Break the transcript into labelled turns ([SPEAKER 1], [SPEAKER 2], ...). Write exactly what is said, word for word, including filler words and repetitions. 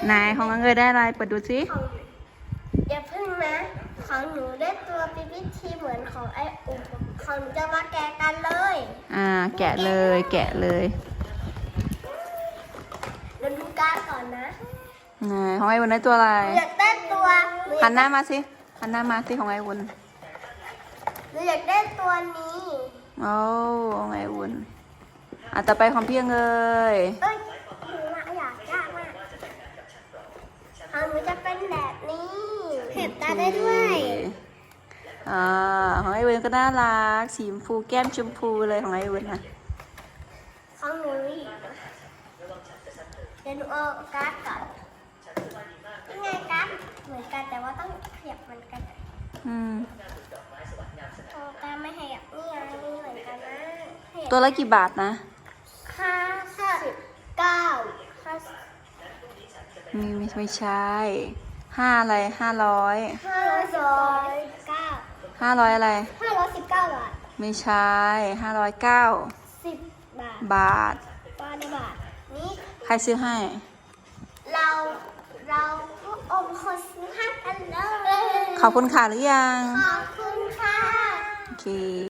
[SPEAKER 1] นายของเงยได้อะไรเปิดดูสิ
[SPEAKER 2] ของอย่าพึ่งนะของหนูได้ตัวปีพิธีเหมือนของไอ้อุ๋มของหนูจะมาแกะกันเลย
[SPEAKER 1] อ่าแกะเลยแกะเลย
[SPEAKER 2] เดี๋ยวดูการ์ดก่อนนะ
[SPEAKER 1] นายของไอ้วุ้นได้ตัวอะไร
[SPEAKER 2] หนูอยากได้ตัว
[SPEAKER 1] หันหน้ามาสิหันหน้ามาสิของไอ้วุ้น
[SPEAKER 2] หนูอยากได้ตัวนี้
[SPEAKER 1] โอ้ของไอ้วุ้นอ่ะต่อไปของพี่เงย
[SPEAKER 2] เอ้ยหนูอะอยากยากมากของหนูจะเป็นแบบนี้เห็บตาได้ด้วย
[SPEAKER 1] อ่าของไอ้วุ้นก็น่ารักสีชมพูแก้มชมพูเลยของไอ้วุ้นนะ
[SPEAKER 2] ของหนูอีกเดี๋ยวหนูเอาการ์ดก่อนยังไงการ์ดเหมือนกันแต่ว่าต้องขยับเหมือนกัน
[SPEAKER 1] อืม
[SPEAKER 2] เอาการ์ดไม่ขยับนี่ไงนี่เหมือนกันนะขยับ
[SPEAKER 1] ตัวละกี่บาทนะ
[SPEAKER 2] ห้าสิบเก้าห้า
[SPEAKER 1] มีไม่ไม่ใช่ห้าอะไรห้าร้อย
[SPEAKER 2] ห้าร้อยเก้า
[SPEAKER 1] ห้าร้อยอะไร
[SPEAKER 2] ห้าร้อยสิบเก้าบาท
[SPEAKER 1] ไม่ใช่ห้าร้อยเก้า
[SPEAKER 2] สิบบาท
[SPEAKER 1] บาท
[SPEAKER 2] บาทบาทนี่
[SPEAKER 1] ใครซื้อให้
[SPEAKER 2] เราเราก็อมคนซื้อให้กันเลย
[SPEAKER 1] ขอบคุณค่ะหรือยัง
[SPEAKER 2] ขอบคุณค่ะ
[SPEAKER 1] โอเค